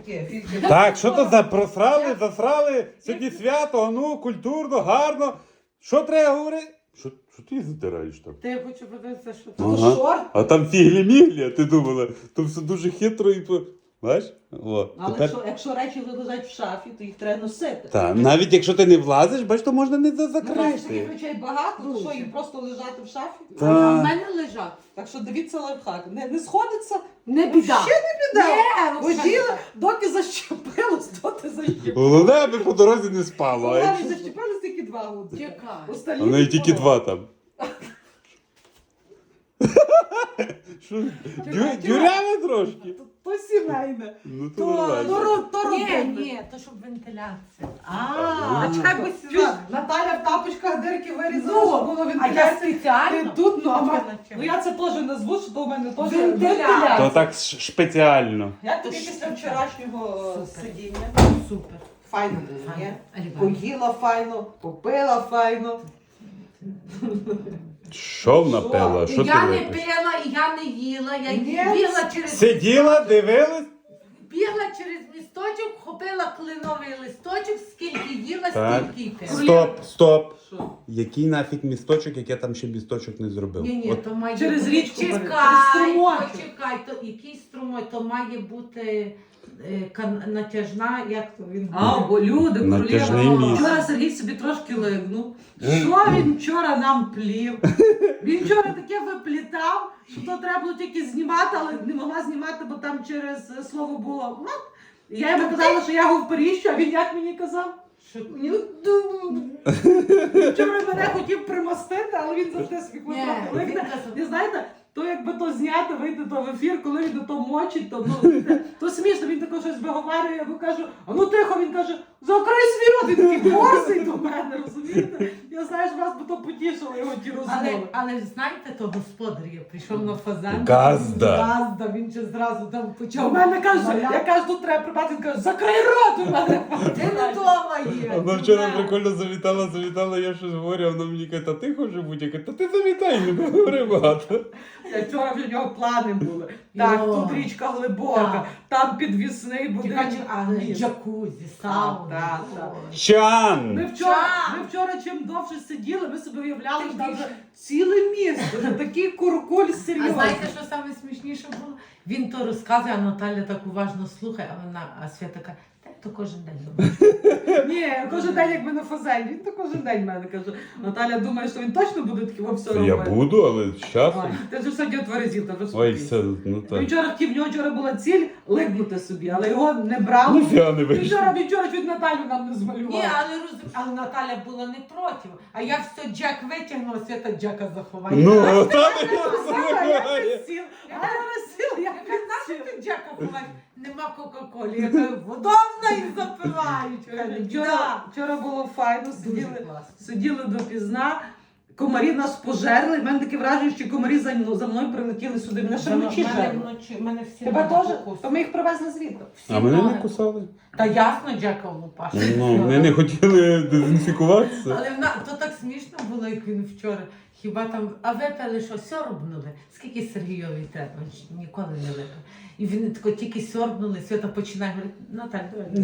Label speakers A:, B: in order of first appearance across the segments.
A: таке, фільки.
B: Так, що то за просрали, засрали, сьогодні свято, ну, культурно, гарно. Що треба говорити? Що ти затираєш там?
C: Та я хочу подивитися, що
A: Це
B: Ага.
A: шорт.
B: А там фіглі-міглі, а ти думала, то все дуже хитро і по... Бачиш? О,
A: Але
B: тепер...
A: якщо речі лежать в шафі, то їх треба носити.
B: Так, навіть якщо ти не влазиш, бач, то можна не
A: Ну, бачиш, таких
B: закрити.
A: речей багато, то
C: Дуже.
A: що їм просто лежати в шафі?
C: А
B: Та.
C: в мене лежать.
A: Так що дивіться лайфхак. Не сходиться,
C: Не біда.
A: ще не біда.
C: Ні,
A: Воділа, доки защепилось, доти защепилось.
B: Головне, аби по дорозі не спало. а
A: Навіть
B: якщо-
A: защепилось тільки 2 гудзики.
C: Чекай.
A: Остальні
B: А в неї тільки
A: відпало.
B: 2 там. Що? Дюряве трошки?
A: То сімейне,
B: Ну то нормально.
A: то
C: Ні,
A: родинне.
C: ні, то щоб вентиляція.
A: А,
C: чекай, бо
A: чуєш,
C: сюди.
A: Наталя в тапочках дирки вирізала,
C: Ну,
A: щоб було
C: А я
A: вентиляція.
C: спеціально.
A: Ти тут, ну, а
C: Чекай,
A: ма-
C: чекай.
A: ну я це теж назву, що то в мене теж
C: Вентиляція.
A: вентиляція.
B: То так спеціально.
A: Як тобі після вчорашнього
C: Супер.
A: сидіння?
C: Супер.
A: Файно було, ні?
C: Елегантно.
A: Поїла файно, попила файно.
B: Що напела? Що ти
C: Я не
B: випиш?
C: пила, і я не їла, я
A: Ні.
C: бігла через
B: Сиділа, дивилась?
C: бігла через місточок, хопила кленовий листочок, скільки їла,
B: Так.
C: стільки й пила.
B: Стоп.
A: Що?
B: Який нафіг місточок, як я там ще місточок не зробив?
C: Ні,
B: От
C: то має
A: Через
C: бути.
A: річку бери, через
C: Чекай,
A: струмочок.
C: почекай, то який струмой, то має бути натяжна, як то він
A: А,
C: буде?
A: бо люди,
B: Натяжний
A: королева.
B: міст.
A: Вчора Сергій собі трошки лигнув. Що він вчора нам плів? Він вчора таке виплітав, що то треба було тільки знімати, але не могла знімати, бо там через слово було «мат». Я йому казала, що я його вперіщу, а він як мені казав?
C: Що?
A: «Ну, вчора мене хотів примостити, але він завжди собі
C: Ні,
A: трохи
C: він
A: лигне.
C: казав.
A: І знаєте, то якби то зняти, вийти то в ефір, коли він то мочить, то, ну, то смішно, він тако щось виговарює, я йому кажу, а ну тихо, він каже, закрий свій рот, він такий борзий до мене, розумієте? Я знаю, що вас би то потішило його ті розмови.
C: Але знаєте, то господар є, прийшов на фазан.
B: Газда.
C: Газда, він ще зразу там
A: У
C: почав.
A: мене каже,
C: маляти.
A: я кажу, тут треба прибати, він каже, закрий рот у мене.
C: Ти не вдома є.
B: Вона вчора прикольно завітала, я щось говорю, а вона мені каже, та ти хочеш бути? Я кажу, та ти завітай, не говори багато.
A: Я вчора вже в нього плани були. Так,
C: Йо.
A: тут річка глибока, там підвісний будинок.
C: Але
A: Ні.
C: джакузі, сауна.
A: Так.
B: Чан!
A: Ми вчора чим довше сиділи, ми собі уявляли,
C: Ти
A: що там
C: більше-
A: вже ціле місто, вже такий куркуль
C: А
A: серйозний.
C: знаєте, що саме смішніше було? Він то розказує, а Наталя так уважно слухає, а Свята каже, та то кожен день робить.
A: Ні, кожен день, як ми на фазелі, він то кожен день мене каже. Наталя думає, що він точно буде таким во все
B: Я
A: робити.
B: буду, але з
A: Ой,
B: часом.
A: ти вже сьогодні отверезів, та вже
B: Ой,
A: спокійся.
B: все, ну
A: Він
B: так.
A: вчора хотів, в нього вчора була ціль лигнути собі, але його не брали.
B: Ніфіга не
A: Він
B: вийшло.
A: вчора чуть Наталю нам не змалював.
C: Ні, але Наталя була не проти. А я все Джек витягнула, Свята Джека заховає.
B: Ну, там
A: Я
B: я
A: підсіл, я
C: Нащо
A: підсіл.
C: ти Джека ховаєш? Нема Кока-Колі. Я кажу, водовна і запивають.
A: Вчора було файно,
C: Дуже
A: сиділи,
C: класно.
A: сиділи допізна. Комарі нас пожерли. У мене таке враження, що комарі за мною прилетіли сюди. Мене ще вночі жерли.
C: Мене всі
A: Тебе
C: ноги
A: теж?
C: покусали.
A: То ми їх привезли звідти.
C: Всі
B: А мене не
C: ноги.
B: кусали.
C: Та ясно, Джека лупаш.
B: Ну, вони не хотіли дезінфікуватися.
C: Але то так смішно було, як він вчора. Хіба там, а випили що, сьорбнули? Скільки Сергійові треба? Він ж ніколи не випив. І він тако тільки сьорбнули, Свята починає говорити, Наталь,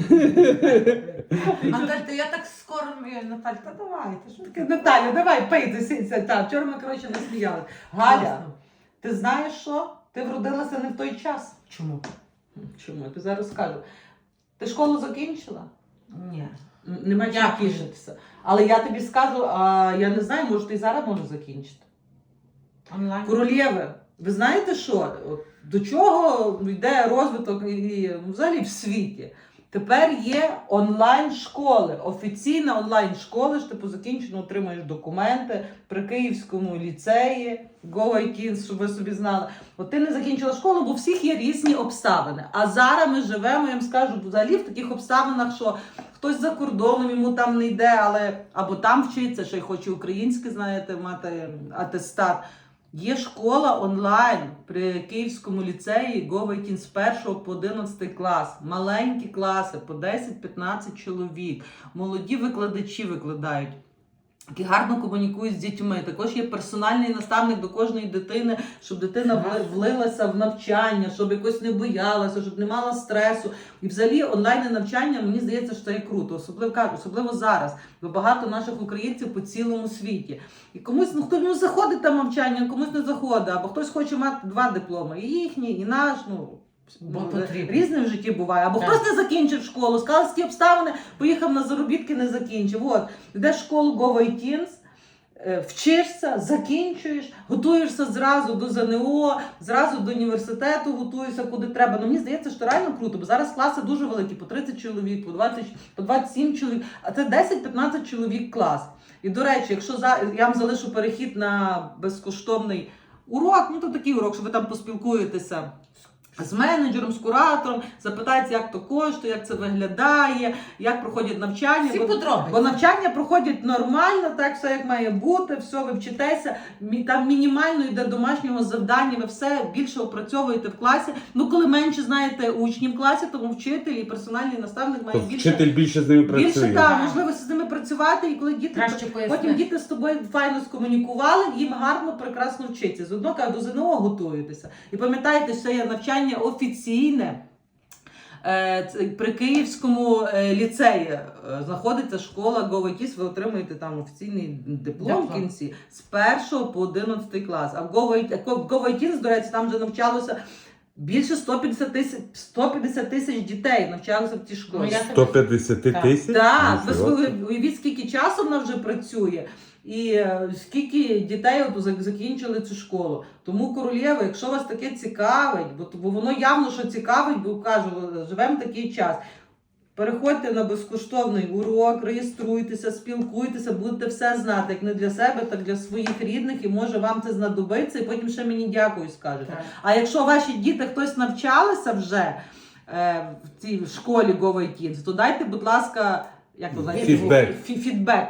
C: давай. Наталь, то я так скоро, Наталь, та давай. Ти що
A: Таке, Наталя, давай, пийте, сидься. Так, вчора ми, коротше, насміяли. Галя, ти знаєш що? Ти вродилася не в той час.
C: Чому?
A: Чому? Я тобі зараз скажу. Ти школу закінчила?
C: Ні.
A: Нема чим
C: Дякую.
A: тішитися. Але я тобі скажу, а я не знаю, може ти і зараз можеш закінчити.
C: Онлайн.
A: Королєви, ви знаєте що? От до чого йде розвиток і взагалі в світі? Тепер є онлайн-школи, офіційна онлайн-школа, що ти по закінченню отримаєш документи при Київському ліцеї, GoITins, щоб ви собі знали. От ти не закінчила школу, бо у всіх є різні обставини. А зараз ми живемо, я вам скажу, взагалі в таких обставинах, що хтось за кордоном, йому там не йде, але або там вчиться, ще й хоче українське, знаєте, мати атестат. Є школа онлайн при Київському ліцеї GoITins з 1 по 11 клас. Маленькі класи по 10-15 чоловік. Молоді викладачі викладають. які гарно комунікують з дітьми. Також є персональний наставник до кожної дитини, щоб дитина влилася в навчання, щоб якось не боялася, щоб не мала стресу. І взагалі онлайн навчання, мені здається, що це є круто, особливо зараз, бо багато наших українців по цілому світі. І комусь, хтось заходить там навчання, комусь не заходить, або хтось хоче мати 2 дипломи, і їхній, і наш,
C: Бо потрібно.
A: різне в житті буває. Або
C: Так.
A: хтось не закінчив школу, сказав, які обставини, поїхав на заробітки, не закінчив. От, йдеш в школу GoVITins, вчишся, закінчуєш, готуєшся зразу до ЗНО, зразу до університету, готуєшся куди треба. Ну, мені здається, що реально круто, бо зараз класи дуже великі, по 30 чоловік, по 20, по 27 чоловік, а це 10-15 чоловік клас. І, до речі, якщо я вам залишу перехід на безкоштовний урок, то такий урок, що ви там поспілкуєтеся з менеджером, з куратором, запитається, як то коштує, як це виглядає, як проходять навчання.
C: Всі подробиці.
A: Бо навчання проходять нормально, так, все як має бути, все, ви вчитеся, там мінімально йде домашнього завдання, ви все більше опрацьовуєте в класі. Коли менше знаєте учнів в класі, тому вчитель і персональний наставник має більше.
B: Вчитель більше з ними працює.
A: Більше так, можливості з ними працювати, і коли діти
C: Краще пояснити.
A: потім діти з тобою файно скомунікували, їм гарно, прекрасно вчиться. З одного до ЗНО готуєтеся. І пам'ятайте, що є навчання офіційне. При Київському ліцеї знаходиться школа GoVITins, ви отримуєте там офіційний диплом в кінці з 1 по 11 клас. А в GoVITins, до речі, там вже навчалося більше 150 тисяч дітей навчалися в тій школі.
B: 150 тисяч?
A: Так, ви уявіть, скільки часу вона вже працює. І скільки дітей закінчили цю школу. Тому, королєва, якщо вас таке цікавить, бо воно явно, що цікавить, бо кажу, живемо такий час. Переходьте на безкоштовний урок, реєструйтеся, спілкуйтеся, будете все знати, як не для себе, так для своїх рідних, і може вам це знадобиться, і потім ще мені дякую скажете.
C: Так.
A: А якщо ваші діти хтось навчалися вже в цій школі GoVITins, то дайте, будь ласка, як то знаєте, фідбек,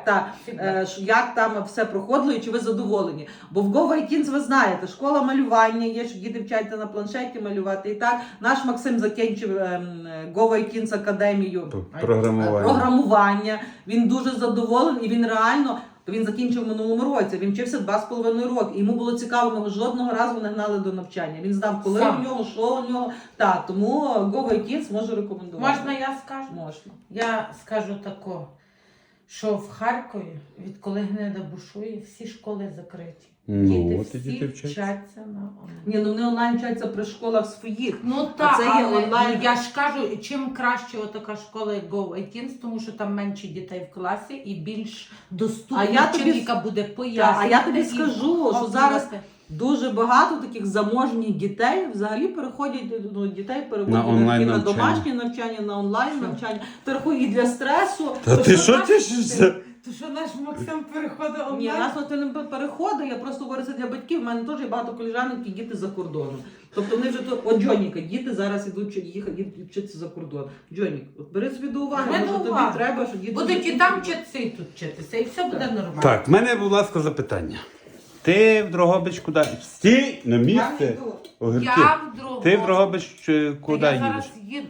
A: як там все проходило і чи ви задоволені. Бо в GoVITins, ви знаєте, школа малювання є, що діти вчаться на планшеті малювати. І так, наш Максим закінчив GoVITins академію програмування. Він дуже задоволений, і він реально, він закінчив в минулому році, він вчився 2,5 роки. І йому було цікаво, ми його жодного разу не гнали до навчання. Він знав, коли у нього, що у нього. Так, тому GoVITins можу рекомендувати.
C: Можна я скажу?
A: Можна.
C: Я скажу тако, що в Харкові, відколи гнида бушує, всі школи закриті. Діти всі вчаться на онлайн.
A: Вони онлайн вчаться при школах своїх.
C: Так,
A: це є
C: але
A: онлайн.
C: я ж кажу, чим краще така школа, як GoVITins, тому що там менше дітей в класі і більш доступна вчителька буде пояснювати.
A: А я тобі скажу, що зараз дуже багато таких заможних дітей взагалі переходять, дітей переводять на домашнє навчання, на онлайн навчання. Переходять і для стресу.
B: Та ти що тішишся?
C: То що наш Максим переходить онлайн?
A: Ні, нас не переходить, я просто говорю це для батьків. У мене теж є багато коліжанок, які діти за кордоном. Тобто вони вже тут, от Джоніка, діти зараз ідуть вчитися за кордон. Джонік, от бери собі до уваги, може тобі треба, що діти...
C: Будуть і там вчитися, і тут вчитися, і все буде нормально.
B: Так, в мене, будь ласка, запитання. Ти в Дрогобич куди? Стій на місце. Огірки.
C: Я в Дрогобич.
B: Ти в Дрогобич куди
C: Я
B: їдеш?
C: зараз їду.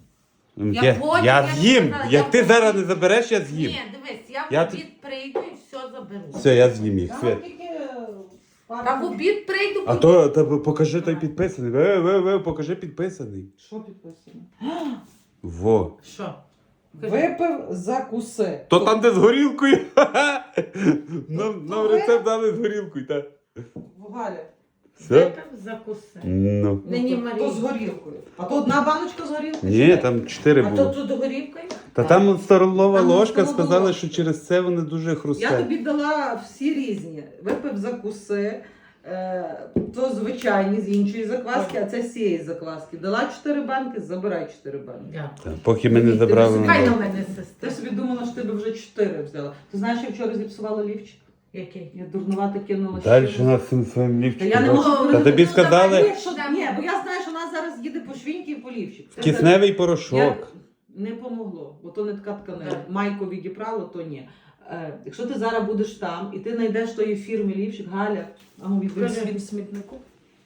B: Я з'їм. Як ти зараз не забереш, я з'їм.
C: Ні, дивись, я в обід прийду і все заберу.
B: Все, я з'їм їх. Свят.
C: Та в обід прийду.
B: А то покажи той підписаний. Покажи підписаний.
A: Що підписано?
B: Во.
C: Що?
A: Випив, закуси.
B: То там, де з горілкою. Нам рецепт дали з горілкою, так.
A: Галя.
B: Все?
C: Випив, закуси.
B: Ну.
C: Нині
A: То
C: Марія.
A: з горілкою. А то одна баночка з горілкою?
B: Ні, там 4
C: А то
B: було.
C: тут горівкою?
B: Та там столова
A: Там
B: ложка
A: столова
B: сказали,
A: ложка.
B: що через це вони дуже
A: Я
B: хрустять.
A: тобі дала всі різні. Випив закуси, то звичайні з іншої закваски, а це з цієї закваски. Дала 4 банки, забирай 4 банки.
C: Дякую.
B: Та, поки ми не забрали.
C: Хай на
B: на
C: мене
A: Ти
C: сестра.
A: собі думала, що ти б вже 4 взяла. Ти знаєш, я вчора зіпсувала лівчик?
C: Який?
A: Я дурнувато кинула.
B: Далі
A: ще.
B: нас цим своїм
A: Та
B: лівчиком.
A: я не можу
B: Та
A: говорити.
B: тобі
A: Ну,
B: сказали
A: давай, ні, бо я знаю, що вона зараз їде по швіньки і по лівчик.
B: кисневий порошок.
A: Не помогло, бо то не така тканина.
C: Так.
A: Майку відібрало, то ні. Якщо ти зараз будеш там і ти знайдеш тої фірми лівчик, Галя, а ну відбери
C: Кажи.
A: світ в смітнику.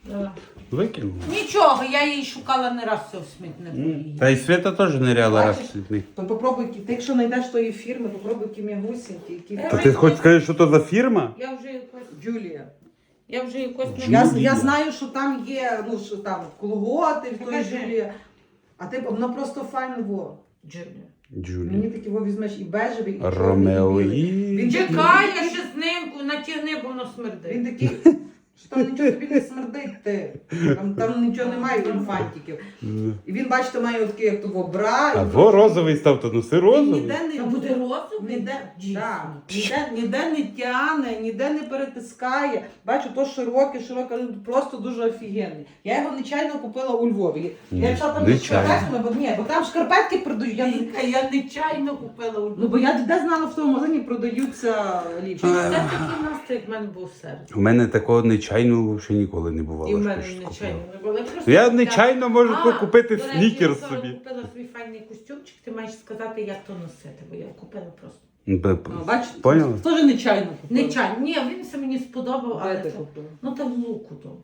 B: Викинула.
C: Нічого, я її шукала не раз все в смітнику. її.
B: Та й Свята теж ниряла раз
A: Бачиш?
B: в слідний.
A: То попробуй, ти якщо знайдеш тої фірми, попробуй які м'ягусінькі, які...
B: Та ти хоч скажеш, що то за фірма?
C: Я вже якось...
A: Джулія.
C: Я вже якось...
A: Я знаю, що там є, ну, що там колготи, в той
C: Покажи.
A: Джулія. А ти, воно просто файно, во.
C: Джулія.
B: Джулі.
A: Мені такі во візьмеш і бежевий, і чорний,
B: Ромео
A: і білий.
B: і...
A: Він
C: Чекай, я ще з ним натягни, бо воно смердить.
A: Він такий, що там нічого тобі не смердить, ти. Там нічого немає, він фантиків. І він, бачите, має такий, як того бра.
B: Або розовий став, то носи
A: Він
B: розовий.
A: ніде не
C: Та буде розовий?
A: Ніде,
C: Дійсно.
A: да, ніде не тяне, ніде не перетискає. Бачу, то широке, просто дуже офігенний. Я його нечайно купила у Львові. Я йшла там зі
B: Нечайно.
A: шкарпетками, бо там шкарпетки продають.
C: Я нечайно купила у
A: Ну, бо я де знала, в тому магазині продаються ліпші.
C: Це такий настрій, як в мене був серед.
B: У мене такого нечайного ще ніколи не бувало.
C: І в
B: що
C: мене
B: щось
C: нечайно
B: купила.
C: не було. просто
B: Я
C: купляла.
B: нечайно можу купити
C: до речі,
B: снікерс
C: я
B: собі.
C: купила свій файний костюмчик, ти маєш сказати, як то носити, бо я купила просто.
A: Бачите,
B: Поняла?
A: теж нечайно купила.
C: Нечайно. Ні, він це мені сподобав, але
A: Де ти
C: це...
A: купила?
C: Ну там в луку то.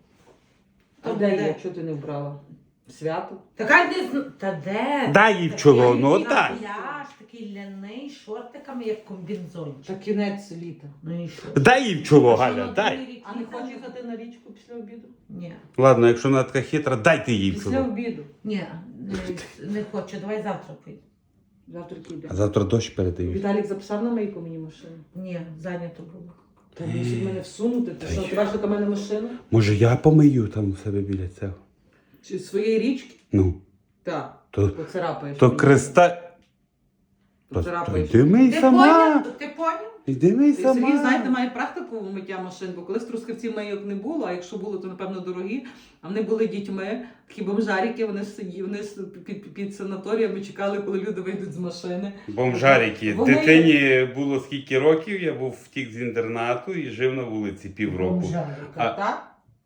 A: А де є? Чого ти не вбрала? Свято?
C: Така не Та де?
B: Дай їй в чоло, ну
C: Такий
B: отдай.
C: пляж, такий ляний, шортиками, як комбінзончик.
A: Та кінець літа.
C: Ну і що?
B: Дай їй в чоло,
C: Що,
B: Галя,
C: на
B: дай.
C: другий рік
A: А не
C: їхати?
A: хочеш їхати на річку після обіду?
C: Ні.
B: Ладно, якщо вона така хитра, дайте їй в
A: Після
B: чоло.
A: обіду.
C: Ні, не хочу. Давай завтра поїдемо.
A: Завтра піде.
B: А завтра дощ передають.
A: Віталік записав на мийку мені машину.
C: Ні, зайнято було.
A: Та мусить мене всунути. Ти що, бачиш, у мене машина?
B: Може я помию там у себе біля цього?
A: Чи своєї річки?
B: Ну,
A: Так.
B: то,
A: Поцарапаєш.
B: то
A: мені.
B: креста... То
A: Поцарапаєш.
B: йди мий
C: Ти
B: сама.
C: поняв? Ти поняв?
B: Йди мий
A: Сергій,
B: сама.
A: знаєте, має практику в миття машин, бо колись трускавців мийок не було, а якщо було, то напевно дорогі. А вони були дітьми, такі бомжарики, вони сиділи, вони під санаторіями чекали, коли люди вийдуть з машини.
B: Бомжарики.
A: Вони-
B: Дитині було скільки років, я був втік з інтернату і жив на вулиці півроку.
C: Бомжарика.
B: А-
A: Так?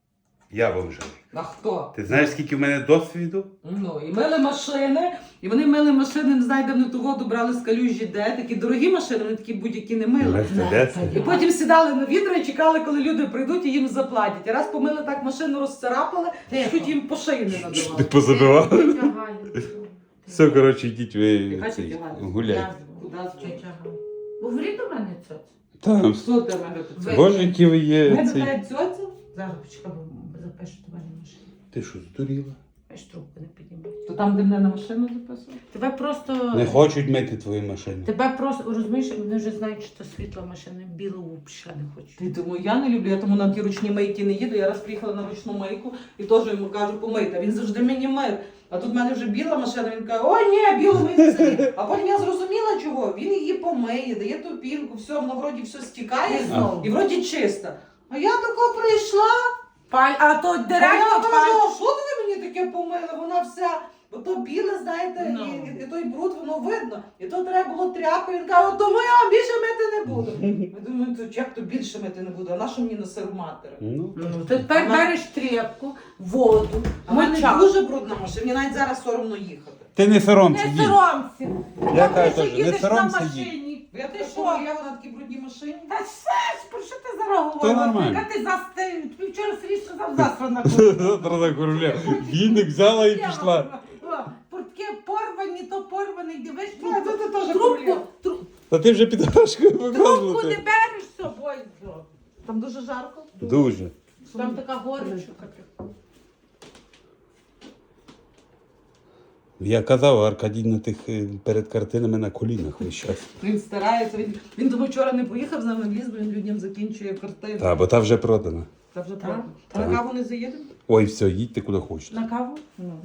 B: Я бомжарик.
A: А хто?
B: Ти знаєш, скільки в мене досвіду?
A: Ну, і мили машини, і вони мили машини, не знаю, де вони ту воду брали з калюжі, де. Такі дорогі машини, вони такі будь-які не мили.
B: Мерседес.
A: І потім сідали на відра і чекали, коли люди прийдуть і їм заплатять. І раз помили так машину, розцарапали,
C: Тихо.
A: чуть їм по шиї не
B: Ти
A: надавали.
B: позабивав?
C: Тетя Галя.
B: Все, коротше, йдіть ви
A: Яка
B: цей,
A: тетя Галя?
B: гуляйте.
A: Куди
C: Тетя Галя. Говори до мене, цьоць.
B: Там,
A: Що ти мене тут?
C: Ви-
B: боже, які ви є.
A: Мене
B: Цей...
A: така цьоця?
C: Зараз почекай, бо запишу до мене машину.
B: Ти що, здуріла?
C: Аж трубку не піднімай.
A: То там, де мене на машину записували?
C: Тебе просто...
B: Не хочуть мити твою машину.
C: Тебе просто, розумієш, вони вже знають, що це світла машина, білу взагалі не хочуть.
A: Ти тому я не люблю, я тому на ті ручні мийки не їду. Я раз приїхала на ручну мийку і теж йому кажу помийте. Він завжди мені мив. А тут в мене вже біла машина, він каже, о, ні, білу мийте собі. А потім я зрозуміла чого. Він її помиє, дає ту пінку, все, воно вроді все стікає
C: І знову.
A: і вроді чисто. А я тако прийшла,
C: А то
A: а я кажу, а що ти мені таке помили? Вона вся, ото біле, знаєте,
C: Ну.
A: і той бруд, воно видно. І то треба було тряпкою. Він каже, тому я вам більше мити не буду. Я думаю, то як то більше мити не буду, а на що мені на сир матері?
B: Ну,
C: Тепер береш тряпку, воду,
A: А в мене
C: мочалку.
A: дуже брудна машина, мені навіть зараз соромно їхати.
B: ти не соромся,
C: Не
B: їдь.
C: соромся.
B: Я
C: Ти
B: кажу
C: що
B: теж, не
C: їдеш на
B: соромся,
C: машині?
A: Я
C: Ти
A: ти
C: що?
A: я на такій брудній машині.
C: Та все ж, про що ти зараз говорила?
B: нормально.
C: Яка ти застиг? Тобі вчора Сергій сказав завтра на
B: Завтра на короля. Віник взяла і пішла.
C: Портки порвані, то порваний, дивиш,
A: А, то ти теж
C: трубку,
A: курила.
B: Та ти вже під гашкою
C: трубку не
B: показувати.
C: береш з собою.
A: Там дуже жарко.
B: Дуже.
C: Там така горечка.
B: Я казав, Аркадій на тих перед картинами на колінах весь час.
A: Він старається. Він тому вчора не поїхав з нами в ліс, бо він людям закінчує картину.
B: Та, бо та вже продана.
A: Та вже
C: Так.
A: правда.
C: Так.
A: На каву не заїдемо?
B: Ой, все, їдьте куди хочете.
C: На каву?
A: Ну.